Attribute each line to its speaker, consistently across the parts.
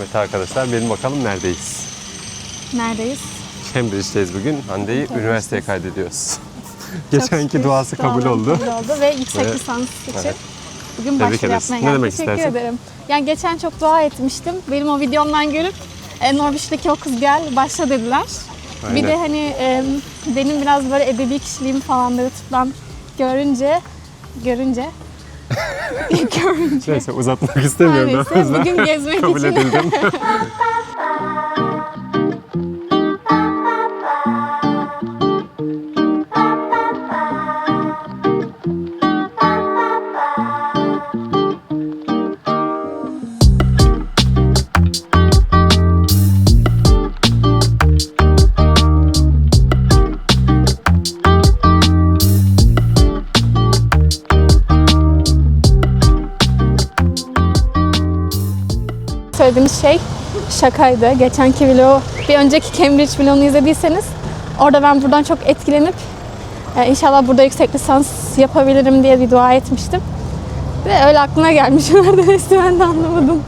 Speaker 1: Evet arkadaşlar, benim bakalım neredeyiz?
Speaker 2: Neredeyiz?
Speaker 1: Cambridge'deyiz bugün. Hande'yi üniversiteye kaydediyoruz. Geçenki duası kabul oldu.
Speaker 2: Ve yüksek
Speaker 1: Ve-
Speaker 2: lisans için
Speaker 1: Evet.
Speaker 2: bugün
Speaker 1: Tebrik
Speaker 2: başvuru
Speaker 1: ederiz.
Speaker 2: yapmaya
Speaker 1: Ne
Speaker 2: geldim.
Speaker 1: demek
Speaker 2: Teşekkür
Speaker 1: istersin?
Speaker 2: ederim. Yani geçen çok dua etmiştim. Benim o videomdan görüp Norwich'teki o kız gel başla dediler.
Speaker 1: Aynen.
Speaker 2: Bir de hani benim biraz böyle edebi kişiliğim falan da YouTube'dan görünce
Speaker 1: Neyse uzatmak istemiyorum daha
Speaker 2: Neyse,
Speaker 1: fazla.
Speaker 2: bugün gezmek
Speaker 1: Kabul
Speaker 2: için.
Speaker 1: edildim.
Speaker 2: söylediğimiz şey şakaydı. Geçenki vlogu, bir önceki Cambridge vlogunu izlediyseniz orada ben buradan çok etkilenip inşallah burada yüksek lisans yapabilirim diye bir dua etmiştim. Ve öyle aklına gelmiş. Neredeyse ben de anlamadım.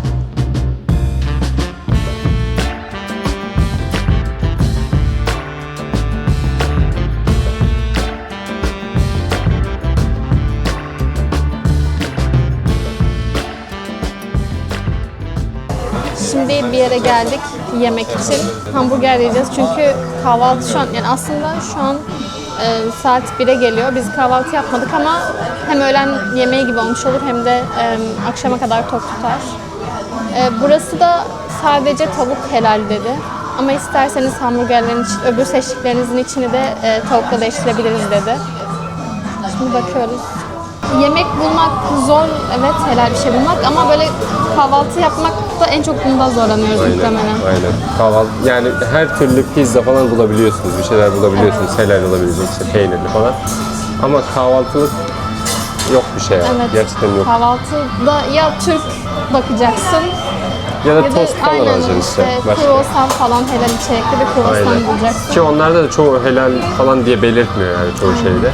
Speaker 2: Şimdi bir yere geldik yemek için. Hamburger yiyeceğiz çünkü kahvaltı şu an, yani aslında şu an saat 1'e geliyor. Biz kahvaltı yapmadık ama hem öğlen yemeği gibi olmuş olur hem de akşama kadar tok tutar. Burası da sadece tavuk helal dedi. Ama isterseniz hamburgerlerin öbür seçtiklerinizin içini de tavukla değiştirebiliriz dedi. Şimdi bakıyoruz. Yemek bulmak zor, evet, helal bir şey bulmak ama böyle kahvaltı yapmakta en çok bunda zorlanıyoruz muhtemelen.
Speaker 1: Aynen. Kahvaltı, yani her türlü pizza falan bulabiliyorsunuz, bir şeyler bulabiliyorsunuz, helal olabilecek, işte peynirli falan. Ama kahvaltılık yok bir şey yani.
Speaker 2: Evet.
Speaker 1: Gerçekten yok.
Speaker 2: Kahvaltıda ya Türk bakacaksın
Speaker 1: Ya da
Speaker 2: ya da
Speaker 1: tost falan
Speaker 2: aynen
Speaker 1: alacaksın işte. Başka.
Speaker 2: kruvasan falan, helal içerikli bir kruvasan
Speaker 1: Aynen.
Speaker 2: bulacaksın.
Speaker 1: Ki onlarda da çoğu helal falan diye belirtmiyor yani çoğu şeyde.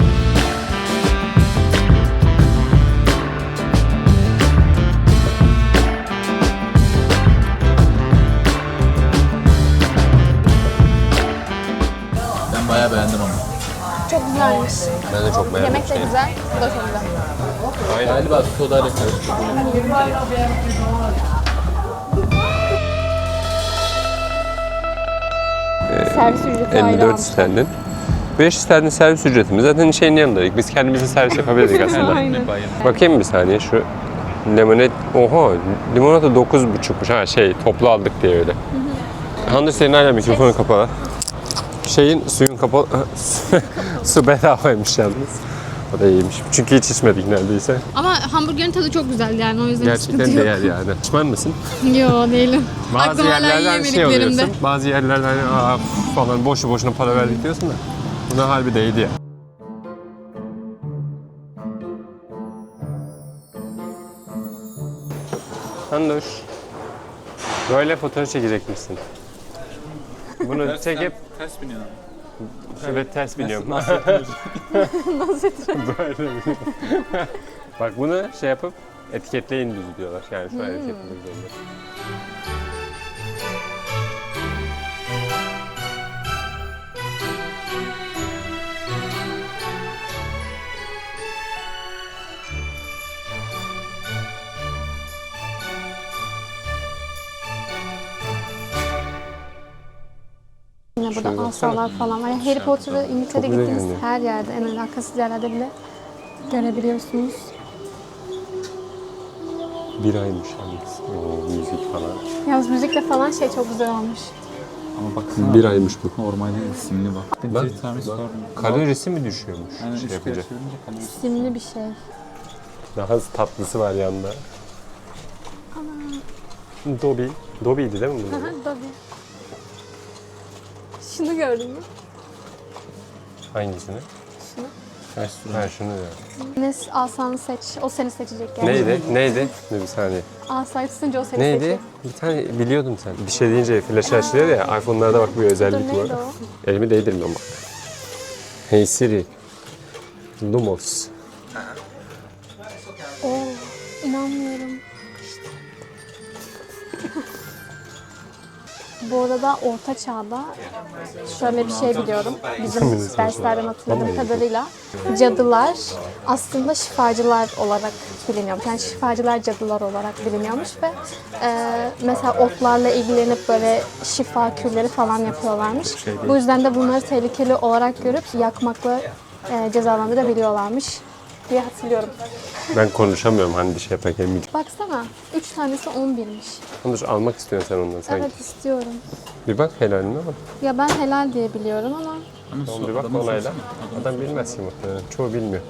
Speaker 3: Ben bayağı beğendim ama.
Speaker 2: Çok güzelmiş.
Speaker 1: Ben de çok beğendim.
Speaker 2: Yemek de güzel, bu da çok güzel.
Speaker 3: Galiba sodayla karıştırdım.
Speaker 2: Servis ücreti ayrı
Speaker 1: 54
Speaker 2: almış.
Speaker 1: sterlin. 5 sterlin servis ücretimiz. Zaten şeyin yanındaydık. Biz kendimize servis yapabilirdik aslında.
Speaker 2: Aynen.
Speaker 1: Bakayım bir saniye şu limonat. Oha, limonata 9,5'muş. Ha şey, toplu aldık diye öyle. Hande senin hala mikrofonun kapalı. Şeyin, suyun kapalı. Su bedavaymış yalnız. O da iyiymiş. Çünkü hiç içmedik neredeyse.
Speaker 2: Ama hamburgerin tadı çok güzel yani, o yüzden
Speaker 1: Gerçekten
Speaker 2: sıkıntı yok.
Speaker 1: değer yani. Pişman mısın?
Speaker 2: Yo, değilim.
Speaker 1: Bazı
Speaker 2: Aklım hala
Speaker 1: yerlerden şey
Speaker 2: yiyemediklerimde.
Speaker 1: oluyorsun. Bazı yerlerden hani, aa falan boşu boşuna para verdik diyorsun da. Buna harbi değdi ya. Handoş. Böyle fotoğraf çekecekmişsin. Bunu çekip
Speaker 3: Ters biniyor.
Speaker 1: evet ters biniyorum.
Speaker 2: Nasıl
Speaker 1: Böyle biniyorum. Bak bunu şey yapıp etiketleyin bizi diyorlar. Yani şu an etiketlemek zorunda.
Speaker 2: Yine
Speaker 1: Şuraya
Speaker 2: burada
Speaker 1: baksana.
Speaker 2: asalar falan var. Yani Harry Potter'ı İngiltere'de
Speaker 1: Çok güzel
Speaker 2: gittiğiniz
Speaker 1: görünüyor.
Speaker 2: her yerde, en alakasız yerlerde bile görebiliyorsunuz.
Speaker 1: Bir aymış yalnız. Oo, müzik falan.
Speaker 2: Yalnız müzikle falan şey çok güzel olmuş.
Speaker 3: Ama baksana.
Speaker 1: Bir aymış bu.
Speaker 3: Normalde simli bak.
Speaker 1: Bak,
Speaker 3: Bir tane var.
Speaker 1: kalorisi mi düşüyormuş
Speaker 3: Yani
Speaker 1: şey
Speaker 3: üç kere
Speaker 1: yapınca?
Speaker 3: çevirince kalorisi.
Speaker 2: Simli bir şey.
Speaker 1: Daha tatlısı var yanında. Dobby. Dobby'ydi değil mi bunlar?
Speaker 2: Tabii. Şunu gördün mü?
Speaker 1: Hangisini?
Speaker 2: Şunu.
Speaker 1: Ha şunu diyor.
Speaker 2: Ne alsan seç, o seni seçecek yani.
Speaker 1: Neydi? Neydi? Dur bir saniye.
Speaker 2: Asayı tutunca o seni
Speaker 1: Neydi?
Speaker 2: seçecek.
Speaker 1: Bir tane biliyordum sen. Bir şey deyince flash açılıyor ya. iPhone'larda bak bir özellik
Speaker 2: Neydi
Speaker 1: var.
Speaker 2: o?
Speaker 1: Elimi değdirmiyorum bak. Hey Siri. Lumos.
Speaker 2: Oo, inanmıyorum. Bu arada Orta Çağ'da şöyle bir şey biliyorum. Bizim derslerden hatırladığım kadarıyla cadılar aslında şifacılar olarak biliniyormuş. Yani şifacılar cadılar olarak biliniyormuş ve mesela otlarla ilgilenip böyle şifa kürleri falan yapıyorlarmış. Bu yüzden de bunları tehlikeli olarak görüp yakmakla cezalandırabiliyorlarmış diye hatırlıyorum.
Speaker 1: Ben konuşamıyorum hani bir şey yaparken.
Speaker 2: Baksana 3 tanesi 11'miş.
Speaker 1: Dur almak istiyorsun sen ondan sanki.
Speaker 2: Evet istiyorum.
Speaker 1: Bir bak helaline bak.
Speaker 2: Ya ben helal diye biliyorum ama
Speaker 3: Ama
Speaker 1: Tamam, bir bak
Speaker 3: adamın
Speaker 1: onayla.
Speaker 3: sorsana.
Speaker 1: Adam bilmez ki muhtemelen. Çoğu bilmiyor.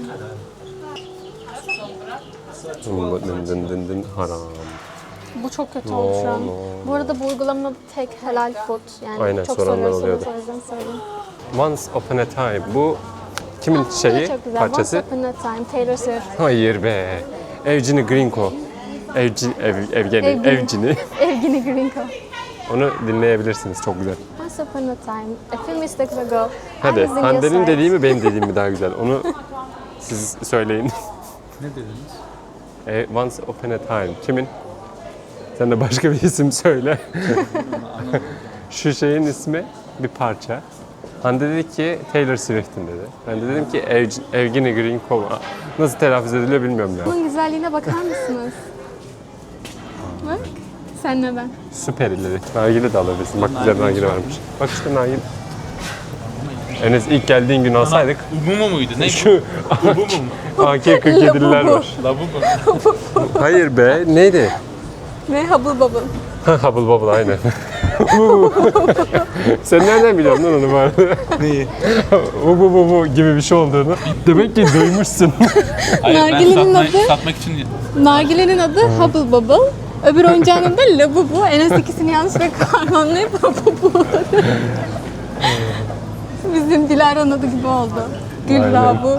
Speaker 1: Dın dın dın dın haram.
Speaker 2: bu çok kötü oldu şu an. Bu arada bu uygulamanın adı tek helal food. Yani
Speaker 1: Aynen,
Speaker 2: çok
Speaker 1: soranlar
Speaker 2: soruyorsunuz
Speaker 1: oluyordu.
Speaker 2: o yüzden söyleyeyim.
Speaker 1: Once Upon a Time. Bu kimin şeyi,
Speaker 2: Çok güzel.
Speaker 1: parçası?
Speaker 2: Once Upon a Time, Taylor Swift.
Speaker 1: Hayır be. Evgeni Grinko. Evgeni. Evgeni.
Speaker 2: Evgeni Grinko.
Speaker 1: Onu dinleyebilirsiniz. Çok güzel.
Speaker 2: Once Upon a Time, a few mistakes ago. I
Speaker 1: Hadi
Speaker 2: was in your
Speaker 1: Hande'nin
Speaker 2: sight.
Speaker 1: dediği mi benim dediğim mi daha güzel? Onu siz söyleyin.
Speaker 3: Ne dediniz?
Speaker 1: Once Upon a Time. Kimin? Sen de başka bir isim söyle. Şu şeyin ismi bir parça. Hande dedi ki Taylor Swift'in dedi. Ben de dedim ki Evgeni Grinko. Nasıl telaffuz ediliyor bilmiyorum ya.
Speaker 2: Bunun güzelliğine bakar mısınız? Bak. Senle ben.
Speaker 1: Süper ileri. Nargile de alabilirsin. Bak güzel nargile varmış. Bak işte nargile. Enes ilk geldiğin gün alsaydık.
Speaker 3: Umumu muydu? Ne?
Speaker 1: Şu
Speaker 3: Ubu mu?
Speaker 1: AK-47'liler var.
Speaker 3: Labubu.
Speaker 1: Hayır be. Neydi?
Speaker 2: Ve Hubble Bubble.
Speaker 1: Hubble Bubble aynen. Sen nereden biliyorsun lan onu bu arada?
Speaker 3: Neyi?
Speaker 1: Bu gibi bir şey olduğunu. Demek ki duymuşsun.
Speaker 3: Hayır,
Speaker 2: Nargilenin adı?
Speaker 3: satmak için
Speaker 2: Nargilenin adı Hubble Bubble. Öbür oyuncağın adı Labubu. Enes ikisini yanlışlıkla harmanlayıp Labubu. Bizim Dilara'nın adı gibi oldu.
Speaker 1: Aynen.
Speaker 2: Güllabu.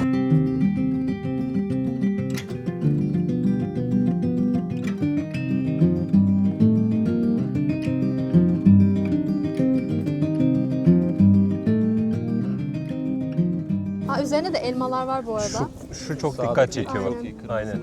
Speaker 2: Üzerine de elmalar var bu arada.
Speaker 1: Şu çok dikkat çekiyor bak. Aynen.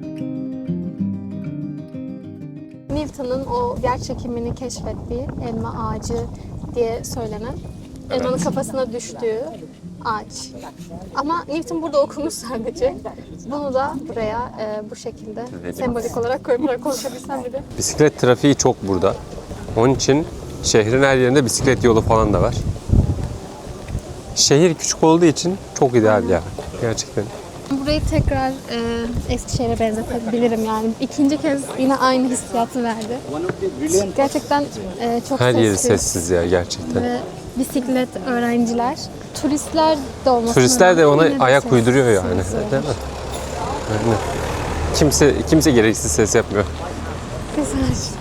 Speaker 2: Newton'un o yer çekimini keşfettiği elma ağacı diye söylenen elmanın kafasına düştüğü ağaç. Ama Newton burada okumuş sadece. Bunu da buraya bu şekilde sembolik olarak koyup konuşabilsem bir de.
Speaker 1: Bisiklet trafiği çok burada. Onun için şehrin her yerinde bisiklet yolu falan da var. Şehir küçük olduğu için çok ideal ya. Gerçekten.
Speaker 2: Burayı tekrar Eskişehir'e benzetebilirim yani. İkinci kez yine aynı hissiyatı verdi. Gerçekten çok
Speaker 1: Her yeri
Speaker 2: sessiz.
Speaker 1: sessiz ya gerçekten.
Speaker 2: Ve bisiklet öğrenciler, turistler de olmasına
Speaker 1: Turistler de
Speaker 2: rağmen
Speaker 1: ona
Speaker 2: yine de
Speaker 1: ayak uyduruyor yani.
Speaker 2: sessiz.
Speaker 1: Değil mi? Aynen. Kimse gereksiz ses yapmıyor.
Speaker 2: Güzel.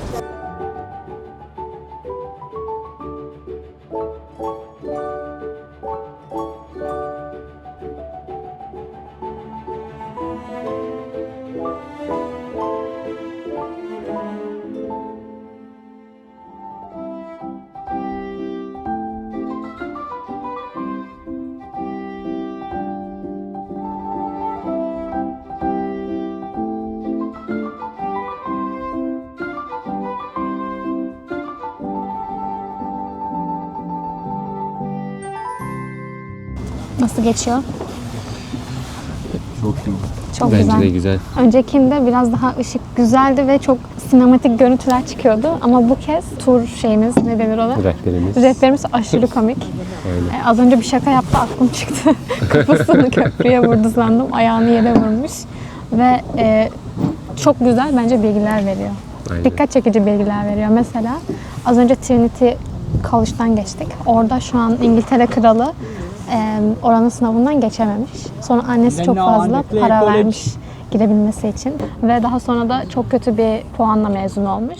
Speaker 2: Nasıl geçiyor?
Speaker 3: Çok iyi.
Speaker 2: Çok güzel.
Speaker 1: güzel.
Speaker 2: Öncekinde biraz daha ışık güzeldi ve çok sinematik görüntüler çıkıyordu. Ama bu kez tur şeyimiz, ne denir ona?
Speaker 1: Rehberimiz.
Speaker 2: Rehberimiz aşırı komik. Az önce bir şaka yaptı, aklım çıktı. Kafasını köprüye vurdu sandım, ayağını yere vurmuş. Ve çok güzel bence bilgiler veriyor.
Speaker 1: Aynen.
Speaker 2: Dikkat çekici bilgiler veriyor. Mesela az önce Trinity College'dan geçtik. Orada şu an İngiltere Kralı oranın sınavından geçememiş. Sonra annesi çok fazla para vermiş girebilmesi için. Ve daha sonra da çok kötü bir puanla mezun olmuş.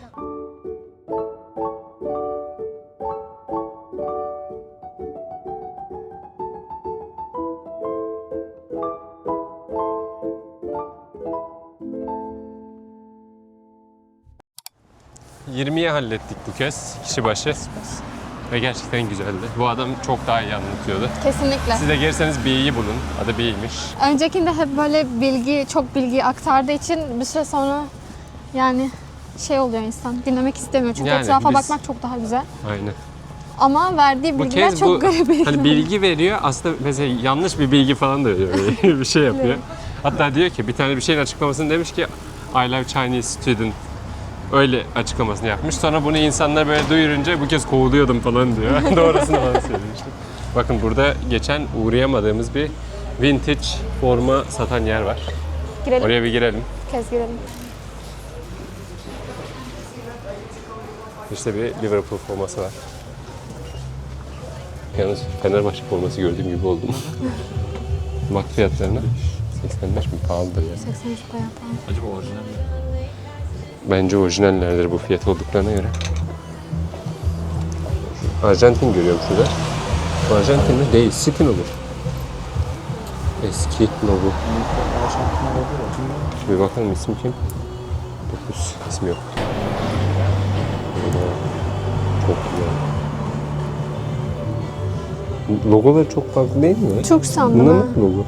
Speaker 1: ...20'ye hallettik bu kez kişi başı. Ve gerçekten güzeldi. Bu adam çok daha iyi anlatıyordu.
Speaker 2: Kesinlikle.
Speaker 1: Siz de gelirseniz B'yi bulun. Adı B'ymiş.
Speaker 2: Öncekinde hep böyle çok bilgi aktardığı için bir süre sonra yani şey oluyor insan. Dinlemek istemiyor çünkü
Speaker 1: Yani
Speaker 2: etrafa
Speaker 1: biz-
Speaker 2: bakmak çok daha güzel.
Speaker 1: Aynen.
Speaker 2: Ama verdiği
Speaker 1: Bu
Speaker 2: bilgiler
Speaker 1: kez
Speaker 2: çok
Speaker 1: bu
Speaker 2: garip bilgiler.
Speaker 1: hani bilgi veriyor aslında mesela yanlış bir bilgi falan da veriyor. Böyle bir şey yapıyor. Hatta diyor ki bir tane bir şeyin açıklamasını demiş ki I love Chinese student. Öyle açıklamasını yapmış. Sonra bunu insanlar böyle duyurunca bu kez kovuluyordum falan diyor. Doğrusunu bana söylemişti. Bakın burada geçen uğrayamadığımız bir vintage forma satan yer var.
Speaker 2: Girelim.
Speaker 1: Oraya bir girelim.
Speaker 2: Bir kez girelim.
Speaker 1: İşte bir Liverpool forması var. Yalnız Fenerbahçe forması gördüğüm gibi oldum. Bak fiyatlarına. 85 mi? Pahalıdır ya.
Speaker 2: 83 bayağı pahalı.
Speaker 3: Acaba orijinal mi?
Speaker 1: Bence orijinallerdir bu fiyat olduklarına göre. Arjantin görüyorum şurada. Arjantin mi? Değil. City olur. Eski logo. Bir bakalım ismi kim? 9 ismi yok. Çok güzel. Logoları çok farklı değil mi?
Speaker 2: Türk sandım
Speaker 1: Bunlar
Speaker 2: ha.
Speaker 1: mı logo?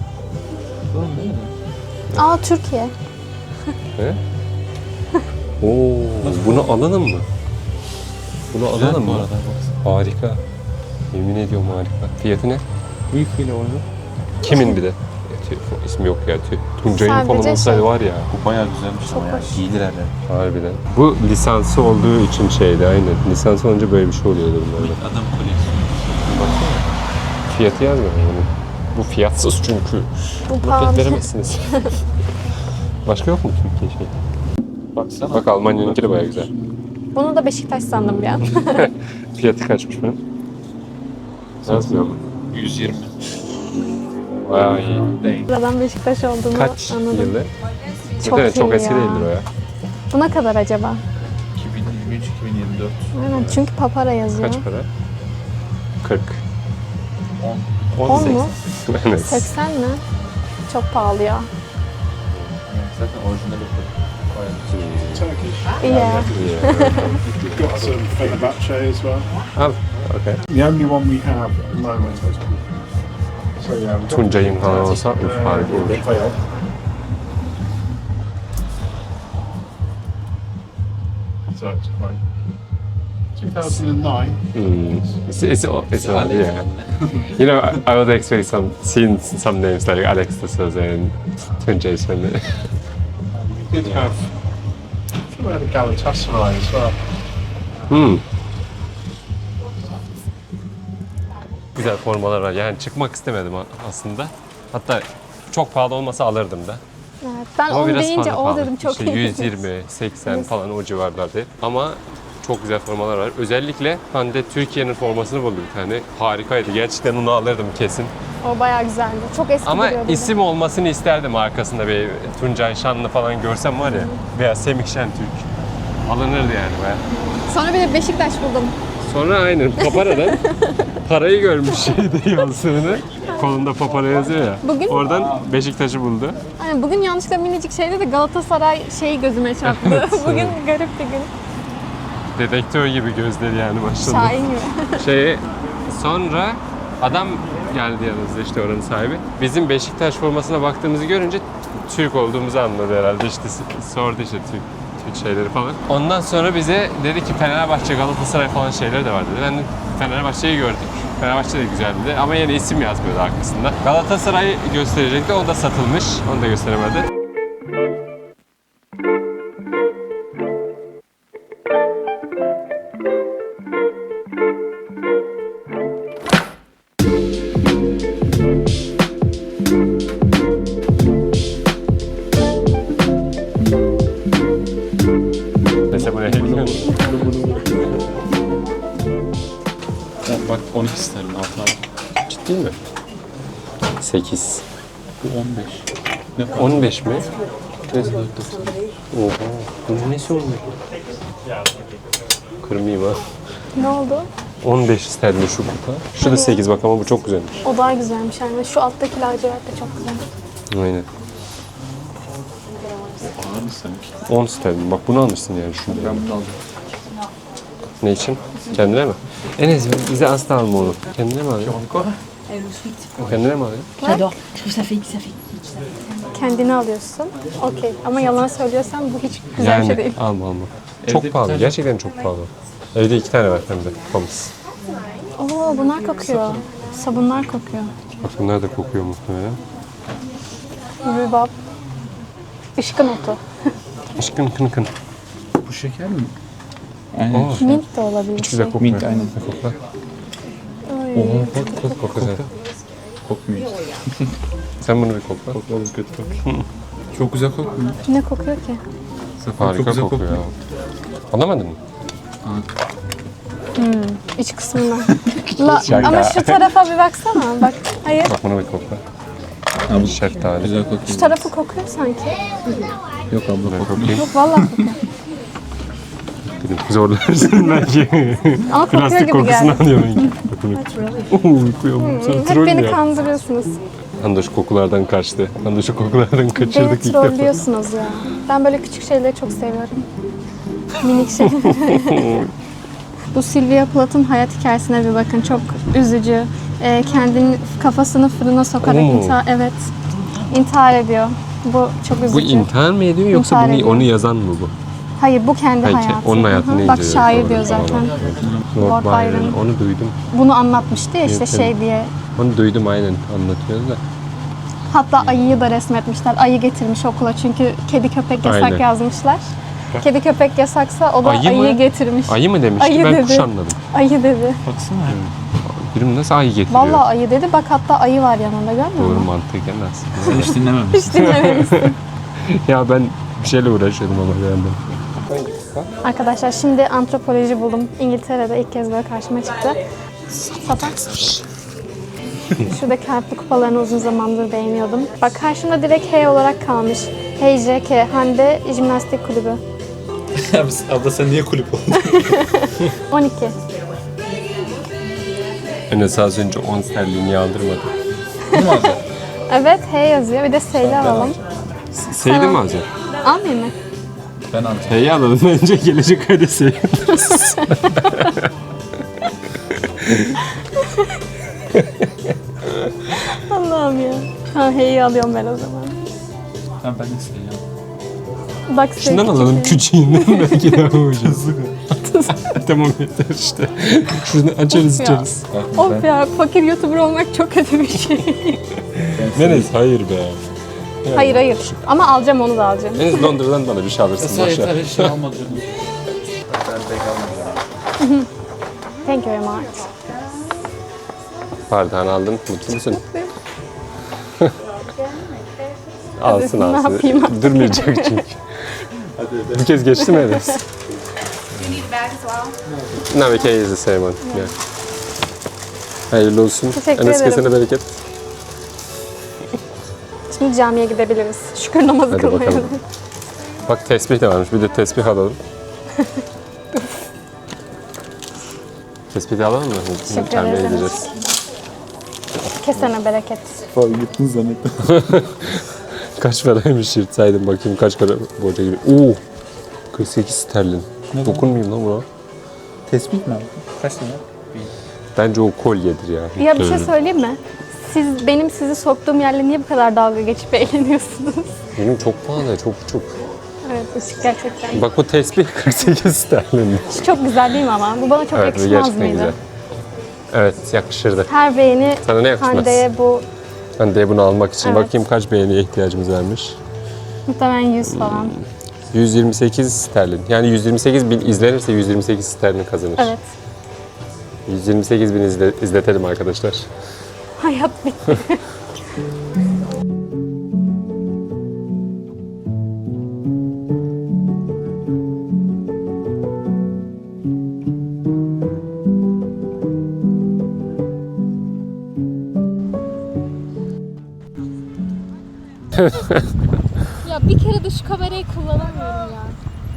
Speaker 2: Aa Türkiye.
Speaker 1: He? Oo, bunu alalım mı? Bunu alalım mı? Harika. Yemin ediyorum harika. Fiyatı ne?
Speaker 3: Büyük bile oyunu.
Speaker 1: Kimin bir de? İsmi yok ya. Tuncay'ın
Speaker 2: Sadece
Speaker 1: falan olsaydı
Speaker 2: şey.
Speaker 1: var ya.
Speaker 3: Bu bayağı güzelmiş ama ya.
Speaker 2: hoş.
Speaker 3: Giyilir herhalde.
Speaker 1: Harbiden. Bu lisansı olduğu için şeydi aynen. Lisansı olunca böyle bir şey oluyordu bunlarda.
Speaker 3: Adam koleksiyonu. Baksana.
Speaker 1: Fiyatı yazmıyor yani. Bu fiyatsız çünkü.
Speaker 2: Bu
Speaker 1: Fiyat
Speaker 2: pahalı.
Speaker 1: veremezsiniz. Başka yok mu Türkiye şey?
Speaker 3: Baksana.
Speaker 1: Bak Almanya'nınki de bayağı güzel.
Speaker 2: Bunu da Beşiktaş sandım bir an.
Speaker 1: Fiyatı kaçmış bunun? Yazmıyor mu?
Speaker 3: 120.
Speaker 1: Bayağı iyi.
Speaker 2: Buradan Beşiktaş olduğunu
Speaker 1: Kaç
Speaker 2: anladım.
Speaker 1: yılı?
Speaker 2: Çok
Speaker 1: Evet, çok
Speaker 2: iyi
Speaker 1: eski
Speaker 2: ya.
Speaker 1: değildir o ya.
Speaker 2: Bu ne kadar acaba?
Speaker 3: 2023, 2024.
Speaker 2: Aynen çünkü papara yazıyor.
Speaker 1: Kaç para? 40.
Speaker 3: 10.
Speaker 2: 10 mu?
Speaker 1: Evet.
Speaker 2: 80 mi? Çok pahalı ya.
Speaker 3: Zaten orijinal yapıyor.
Speaker 4: Turkish.
Speaker 2: İyi.
Speaker 4: We've got some Fenerbahce as well.
Speaker 1: Al. Okay.
Speaker 4: The only one we have at the moment. So yeah, we've got
Speaker 1: Tuncay'ın falan olsa üf, harika olur.
Speaker 4: Fail. So it's fine. 2009.
Speaker 1: It's yeah. You know, I would expect some names like Alex de Souza and Tuncay Svenli.
Speaker 4: We did have. I think we had a Galatasaray as well.
Speaker 1: Güzel formalar var. Yani çıkmak istemedim aslında. Hatta çok pahalı olmasa alırdım da.
Speaker 2: Evet, ben
Speaker 1: Ama
Speaker 2: 10
Speaker 1: biraz
Speaker 2: deyince
Speaker 1: fazla
Speaker 2: o
Speaker 1: pahalı.
Speaker 2: dedim çok
Speaker 1: İşte
Speaker 2: iyi.
Speaker 1: 120, 80 falan o civarlarda. Ama çok güzel formalar var. Özellikle Hande Türkiye'nin formasını buldu bir tane. Harikaydı. Gerçekten onu alırdım kesin.
Speaker 2: O bayağı güzeldi. Çok eski
Speaker 1: Ama
Speaker 2: duruyordu.
Speaker 1: isim olmasını isterdim arkasında bir Tuncay Şanlı falan görsem var ya. Veya Semih Şentürk. Alınırdı yani bayağı.
Speaker 2: Sonra bir de Beşiktaş buldum.
Speaker 1: Sonra aynen Papara'dan parayı görmüş şeyde yazdığını. Kolunda Papara yazıyor ya.
Speaker 2: Bugün-
Speaker 1: Oradan Beşiktaş'ı buldu.
Speaker 2: Aynen, bugün yanlışlıkla minicik şeyde de Galatasaray şeyi gözüme çarptı. Bugün garip bir gün.
Speaker 1: Dedektör gibi gözleri yani başladı.
Speaker 2: Şahin gibi.
Speaker 1: Sonra adam geldi yanımızda işte oranın sahibi. Bizim Beşiktaş formasına baktığımızı görünce Türk olduğumuzu anladı herhalde. İşte sordu işte Türk şeyleri falan. Ondan sonra bize dedi ki Fenerbahçe, Galatasaray falan şeyleri de var dedi. Ben de Fenerbahçe'yi gördük. Fenerbahçe de güzeldi ama yine isim yazmıyordu arkasında. Galatasaray gösterecekti, o da satılmış. Onu da gösteremedi. Mesela bu ne biliyor musun?
Speaker 3: Bak 12 sterlin altına.
Speaker 1: Ciddi mi? 8.
Speaker 3: Bu 15. Ne kadar?
Speaker 1: 15 mi?
Speaker 3: Neyse 4.90.
Speaker 1: Oha. Bunun nesi 15? Kırmayayım ha.
Speaker 2: Ne oldu?
Speaker 1: 15 sterlin şu kupa. Şu da 8 bak ama bu çok güzelmiş.
Speaker 2: O daha güzelmiş yani. Şu alttaki lacivert de çok güzel.
Speaker 1: Aynen.
Speaker 3: Ağır mı sanki?
Speaker 1: 10 sterlin. Bak bunu almışsın yani şunu.
Speaker 3: Ben bunu aldım.
Speaker 1: Ne için? Kendine mi? Enes bize asla alma onu. Kendine mi alıyorsun? Kendine mi alıyorsun?
Speaker 5: J'adore. Je trouve que ça fait
Speaker 2: kendini alıyorsun. Okey. Ama yalan söylüyorsan bu hiç güzel bir şey değil.
Speaker 1: alma alma.
Speaker 3: Evde
Speaker 1: Çok
Speaker 3: bir
Speaker 1: pahalı.
Speaker 3: tane-
Speaker 1: Gerçekten çok pahalı. Evde 2 tane var hem de. Poms.
Speaker 2: Oo bunlar kokuyor. Sabunlar kokuyor.
Speaker 1: Bak bunlar da kokuyor muhtemelen.
Speaker 2: Rübab. Işkın otu.
Speaker 1: Işkın kın kın.
Speaker 3: Bu şeker mi? Aynen.
Speaker 1: Oo.
Speaker 2: Mint de olabilir.
Speaker 1: Hiç güzel kokmuyor.
Speaker 3: Mint, aynen.
Speaker 1: Ne koklar?
Speaker 2: Ay.
Speaker 1: Kokla güzel.
Speaker 3: Kokmuyor.
Speaker 1: Sen bunu bir kokla.
Speaker 3: Kokladım, kötü kokuyor. Çok güzel kokmuyor.
Speaker 2: Ne kokuyor ki?
Speaker 1: Harika
Speaker 3: güzel
Speaker 1: kokuyor ya. Anlamadın mı?
Speaker 2: İç kısmına. Ama şu tarafa bir baksana. Bak. Hayır.
Speaker 1: Bak bunu bir kokla.
Speaker 3: Ha, bu
Speaker 1: Şeftali.
Speaker 3: güzel kokuyor.
Speaker 2: Şu tarafı kokuyor sanki.
Speaker 3: Yok abla
Speaker 1: Ben
Speaker 3: kokmuyor.
Speaker 1: koklayayım.
Speaker 2: Yok vallahi kokuyor.
Speaker 1: Dedim zorlarsın belki.
Speaker 2: Ama kokuyor
Speaker 1: Plastik
Speaker 2: gibi
Speaker 1: kokusunu
Speaker 2: geldi.
Speaker 1: alıyor belki. Uykuyorum. Sen
Speaker 2: Hep
Speaker 1: troll
Speaker 2: beni
Speaker 1: ya.
Speaker 2: kandırıyorsunuz.
Speaker 1: Handaş kokulardan kaçtı. Handaş'ı kokulardan kaçırdık
Speaker 2: Beni
Speaker 1: ilk defa.
Speaker 2: trollüyorsunuz ya. Ben böyle küçük şeyleri çok seviyorum. Minik şeyler. Bu Sylvia Plath'ın hayat hikayesine bir bakın. Çok üzücü. Kendini kafasını fırına sokarak
Speaker 1: Oo.
Speaker 2: evet. İntihar ediyor. Bu çok üzücü.
Speaker 1: Bu intihar mı ediyor yoksa
Speaker 2: İntihar
Speaker 1: bunu,
Speaker 2: ediyor.
Speaker 1: onu yazan mı bu?
Speaker 2: Hayır bu kendi
Speaker 1: Hayır,
Speaker 2: hayatı.
Speaker 1: onun hayatını
Speaker 2: Hı hı. Bak
Speaker 1: inceliyor.
Speaker 2: şair
Speaker 1: Doğru,
Speaker 2: diyor
Speaker 1: tamam.
Speaker 2: zaten.
Speaker 1: Lord
Speaker 2: Lord
Speaker 1: Byron.
Speaker 2: Byron.
Speaker 1: Onu duydum.
Speaker 2: Bunu anlatmıştı ya işte
Speaker 1: Evet,
Speaker 2: şey diye.
Speaker 1: Onu duydum aynen anlatıyordu da.
Speaker 2: Hatta ayıyı da resmetmişler. Ayı getirmiş okula çünkü kedi köpek yasak
Speaker 1: Aynen.
Speaker 2: yazmışlar. Kedi köpek yasaksa o da
Speaker 1: Ayı mı?
Speaker 2: ayıyı getirmiş.
Speaker 1: Ayı mı demişti?
Speaker 2: Ayı
Speaker 1: Ben
Speaker 2: dedi.
Speaker 1: kuş anladım.
Speaker 2: Ayı dedi.
Speaker 3: Baksana.
Speaker 1: Birim nasıl ayı getiriyor?
Speaker 2: Vallahi ayı dedi. Bak hatta ayı var yanında görmüyor
Speaker 1: Doğru
Speaker 2: musun?
Speaker 1: mantıken aslında.
Speaker 3: Sen hiç dinlememişsin.
Speaker 2: Hiç dinlememişsin.
Speaker 1: Ya ben bir şeyle uğraşıyordum ama bir yandan.
Speaker 2: Arkadaşlar şimdi antropoloji buldum. İngiltere'de ilk kez böyle karşıma çıktı. Sapa. Şuradaki harfli kupalarını uzun zamandır beğeniyordum. Bak karşımda direkt H olarak kalmış. HJK, Hande Jimnastik Kulübü.
Speaker 3: Abla sen niye kulüp oldun?
Speaker 2: 12.
Speaker 1: Enes az önce 10 sterlini aldırmadı.
Speaker 2: Evet H yazıyor. Bir de S'li alalım.
Speaker 1: Seydi mi alacak?
Speaker 2: Almayayım mı?
Speaker 3: Ben alacağım.
Speaker 1: T'yi alalım önce gelecek ayda S'yi.
Speaker 2: Allah'ım ya. Ha H'yi alıyorum ben o zaman.
Speaker 3: Ben de isteyeceğim.
Speaker 2: Bak
Speaker 1: Şundan
Speaker 2: küçük
Speaker 1: alalım
Speaker 2: H.
Speaker 1: küçüğünden belki daha ucuz. Tamam yeter işte. Şunu açarız
Speaker 2: Of ya.
Speaker 1: içeriz.
Speaker 2: Of ya fakir YouTuber olmak çok kötü bir şey.
Speaker 1: Enes hayır be.
Speaker 2: Hayır hayır. Ama alacağım onu da alacağım.
Speaker 1: Enes Londra'dan bana bir şey alırsın.
Speaker 3: Sen
Speaker 1: Boş ver.
Speaker 3: yeter hiç şey almadım.
Speaker 2: Thank you very much.
Speaker 1: Pardon aldın. Mutlu musun? alsın
Speaker 2: Ne
Speaker 1: alsın.
Speaker 2: yapayım artık?
Speaker 1: Durmayacak çünkü. Bir kez geçti mi Enes?
Speaker 5: You need a bag as well?
Speaker 1: No, we can use the same one. Yeah. Hayırlı olsun.
Speaker 2: Teşekkür
Speaker 1: Enes
Speaker 2: ederim.
Speaker 1: kesene bereket.
Speaker 2: Şimdi camiye gidebiliriz. Şükür namazı
Speaker 1: Hadi
Speaker 2: kılmaya.
Speaker 1: bakalım. Bak tesbih de varmış. Bir de tesbih alalım. tesbih de alalım mı?
Speaker 2: Teşekkür
Speaker 1: Camiye
Speaker 2: ederiz.
Speaker 1: gideceğiz.
Speaker 2: Kesene bereket.
Speaker 3: Abi gittin zannettim.
Speaker 1: Kaç paraymış yırtsaydım bakayım kaç para borca giriyor. Oo! 48 sterlin. Dokunmayayım lan buna.
Speaker 3: Tespih mi abi? Kaç lira?
Speaker 1: Bence o kolyedir ya.
Speaker 2: Ya bir şey söyleyeyim mi? Benim sizi soktuğum yerle niye bu kadar dalga geçip eğleniyorsunuz?
Speaker 1: Benim çok pahalı, çok.
Speaker 2: Evet ışık gerçekten.
Speaker 1: Bak bu tesbih 48 sterlin.
Speaker 2: Çok güzel değil mi ama? Bu bana çok
Speaker 1: Evet bu
Speaker 2: yakışmaz
Speaker 1: gerçekten
Speaker 2: mıydı?
Speaker 1: güzel. Evet yakışırdı.
Speaker 2: Her beğeni
Speaker 1: Sana ne yakışmaz?
Speaker 2: Hande'ye bu
Speaker 1: Ben de bunu almak için
Speaker 2: Evet.
Speaker 1: bakayım kaç beğeniye ihtiyacımız varmış.
Speaker 2: muhtemelen 100 falan.
Speaker 1: 128 sterlin. Yani 128 bin izlenirse 128 sterlin kazanır.
Speaker 2: Evet.
Speaker 1: 128 bin izletelim arkadaşlar.
Speaker 2: Hayat bitti. Ya bir kere de şu kamerayı kullanamıyorum ya.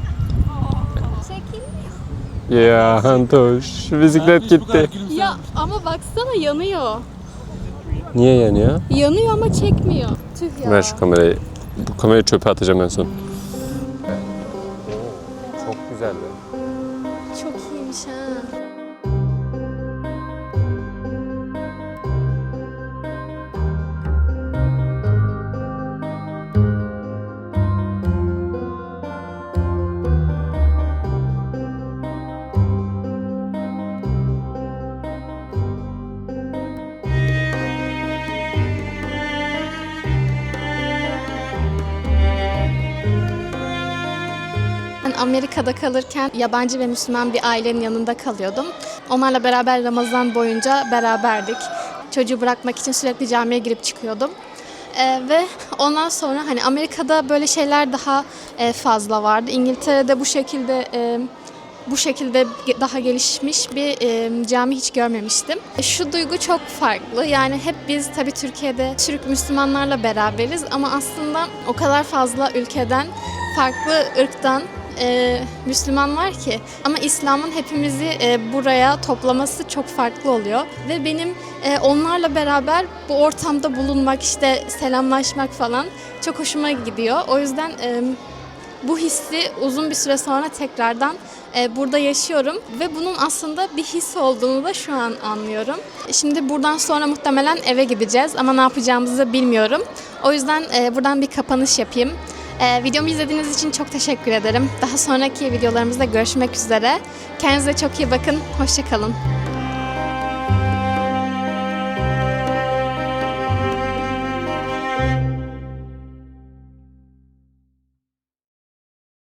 Speaker 2: Çekil.
Speaker 1: Ya Antoş, şu bisiklet gitti.
Speaker 2: Ya ama baksana yanıyor.
Speaker 1: Niye yanıyor?
Speaker 2: Yanıyor ama çekmiyor. Tüh ya.
Speaker 1: Ver şu kamerayı. Bu kamerayı çöpe atacağım en son. Çok güzeldi.
Speaker 2: Çok iyiymiş ha. Amerika'da kalırken yabancı ve Müslüman bir ailenin yanında kalıyordum. Onlarla beraber Ramazan boyunca beraberdik. Çocuğu bırakmak için sürekli camiye girip çıkıyordum. Ve ondan sonra hani Amerika'da böyle şeyler daha fazla vardı. İngiltere'de bu şekilde daha gelişmiş bir cami hiç görmemiştim. Şu duygu çok farklı. Yani hep biz tabii Türkiye'de Türk Müslümanlarla beraberiz ama aslında o kadar fazla ülkeden, farklı ırktan Müslüman var ki. Ama İslam'ın hepimizi buraya toplaması çok farklı oluyor. Ve benim onlarla beraber bu ortamda bulunmak, işte selamlaşmak falan çok hoşuma gidiyor. O yüzden bu hissi uzun bir süre sonra tekrardan burada yaşıyorum ve bunun aslında bir his olduğunu da şu an anlıyorum. Şimdi buradan sonra muhtemelen eve gideceğiz ama ne yapacağımızı bilmiyorum. O yüzden buradan bir kapanış yapayım. Videomu izlediğiniz için çok teşekkür ederim. Daha sonraki videolarımızda görüşmek üzere. Kendinize çok iyi bakın. Hoşça kalın.